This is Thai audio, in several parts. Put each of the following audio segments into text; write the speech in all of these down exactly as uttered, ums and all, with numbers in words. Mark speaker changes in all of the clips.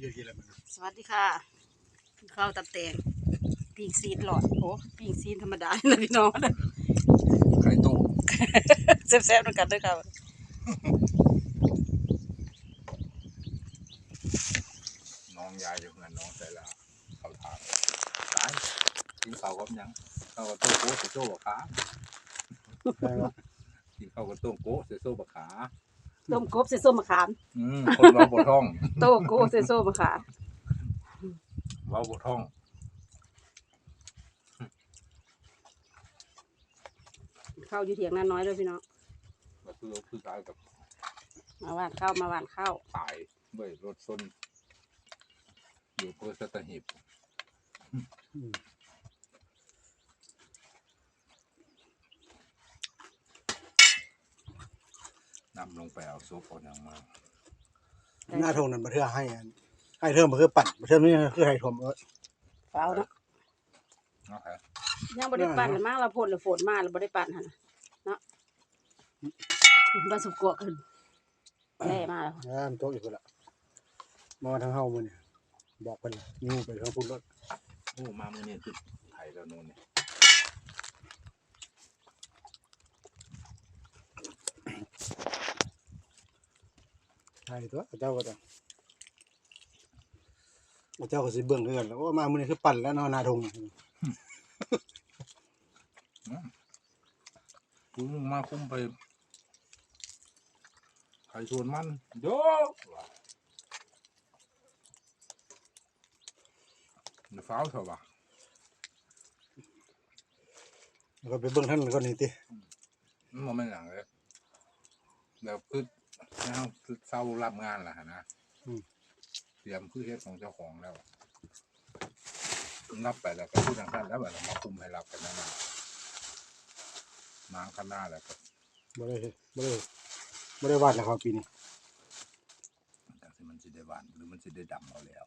Speaker 1: เยอะๆแล้วมัน
Speaker 2: สวัสดีค่ะข้าวตับแตงปิ้งซีนหลอดโอ้ปิ้งซีนธรรมดาเลยพี่น้องนะ
Speaker 1: ไข่ต้ม
Speaker 2: แซ่บๆด้วยกันด้วยค่ะ
Speaker 1: น้องยายอยู่เงินน้องใส่ละเขาทางร้านกินข้าวกับยังข้าวกับต้มโก้ใส่โซ่บะขากินข้าวกับต้มโก้ใส่โซ่บะขา
Speaker 2: ต้มกบใส่ส้มมะขาม
Speaker 1: อืมคนเราบดท่อง
Speaker 2: ต้มกบใส่ส้มมะขาม
Speaker 1: เราบดท่อง
Speaker 2: ข้าวอยู่เถียงนาน้อยเลยพี่น้อง
Speaker 1: ก็คือคือการกับ
Speaker 2: มาหวานข้าวมาหวานข้าว
Speaker 1: ตายด้วยรถส้นอยู่เพื่อสัตหีบนำลงไปเอาซุปเอาอย่างมาหน้าทงนั้นมาเทื่อให้ให้เทิมมาคือปั่นมาเทิมนี่คือให้ทมเออ
Speaker 2: เปล่าเนาะยังบริปั่นเลยมากเราพ่นเลยฝนมาเราบริปั่นฮะเนาะผสมกวกขึ้นแย่มากแล้ว
Speaker 1: อ่าโต๊ะอยู่คนละมาทางเฮามือเนี่ยบอกกันเลยนี่ไปทางพุ่นรถโอ้มามือเนี่ยคือไทยแล้วโน่นเนี่ยไทยตัวเจ้าก็ต้องเจ้าก็สิเบิ่งด้วยกันแล้วว่ามามือเนี่ยคือปั่นแล้วเนาะนาทงคุณมาคุ้มไปไข่ชวนมันโยเดี๋ยวฟ้าวเถอะวะเราไปเบิ่งท่านก่อนนี่ติมันไม่หนังเลยแบบคือnowคือเศร้ารับงานแหละนะเตรียมคือเฮ็ดของเจ้าของแล้วรับไปแล้วก็พูดทางท่านแล้วแบบมาคุมให้รับกันนั่นนางข้างหน้าแล้วก็ไม่ได้ไม่ได้ไม่ได้วาดแล้วครับปีนี้แต่ที่มันจะได้วาดหรือมันจะได้ดำเอาแล้ว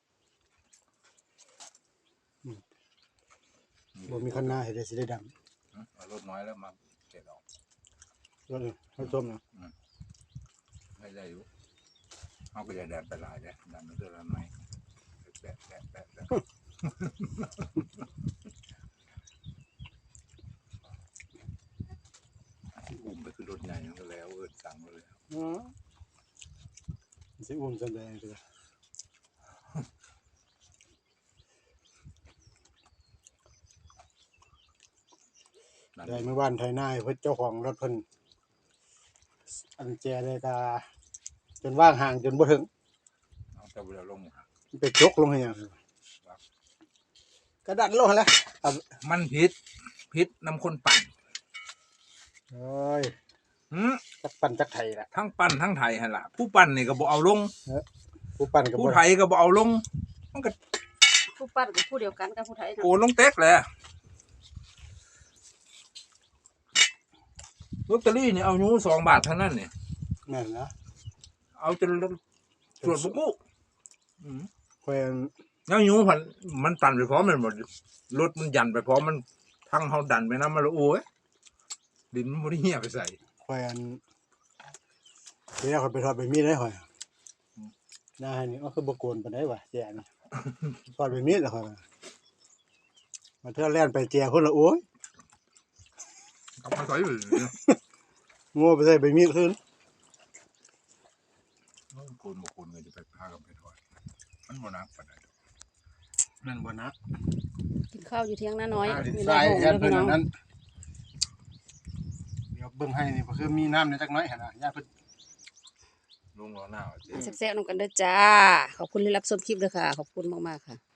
Speaker 1: บ่มีข้างหน้าเห็นได้สิได้ดำรถน้อยแล้วมาเก็บออกรถให้ส้มนะให้ได้อยู่เขาก็จะแดดไปลายได้ดำไม่เท่าไรแปะแปะแปะแปะอุ้มไปคือรถใหญ่ก็แล้วเออสั่งมาเลยอ๋อสิอุ้มแสดงเลยได้เมื่อวานไทยนายเพื่อเจ้าของรถเพิ่นอันแจเลยกาจนว่างห่างจนบ่ถึงเอาแต่เวลาลงไปจกลงให้ยังกระดันลงแล้วมันพิษพิษนำคนปั่นเอ้ยจักปั่นจักไทยแหละทั้งปั่นทั้งไทยฮะล่ะผู้ปั่นนี่ก็บ่เอาลงผู้ปั่นกับผู้ไทยก็บ่เอาลงมันก็
Speaker 2: ผู้ปั่นกับผู้เดียวกันกับผู้ไทย
Speaker 1: โอ้ลงเต็กแหละลอตเตอรี่เนี่ยเอายูสองบาทเท่านั้นเนี่ยแม่นนะเอาจนตรวจบุกุแควนแล้วยูมันมันตันไปพร้อมมันหมดรถมันยันไปพร้อมมันทั้งเขาดันไปน้ำมันละโอ้ยดินมันไม่ได้เหี้ยไปใส่แควนเดี๋ยวเขาไปทอดไปมีดได้หอยได้นี่ก็คือบกวนไปได้ว่ะแจนทอดไปมีดแล้วหอยมาเท่าแล่นไปแจคนละโอ้ยเอาไปใส่เลยงัวไปใส่ใบมีดขึ้นคนบางคนก็จะไปพากันไปถอยมันบ่นักปานใดนั่นบ่นัก
Speaker 2: กินข้าวอยู่เที่ยงน้าน้อย
Speaker 1: มีน้ำหงส์ด้วยพี่น้องเดี๋ยวเบิ่งให้นี่ก็คือมีน้ำในจักน้อยหั่นน่ะย่าเพิ่นลงรอหน้า
Speaker 2: แซ่บๆนำกันเด้อจ้าขอบคุณที่รับชมคลิปด้วยค่ะขอบคุณมากๆค่ะ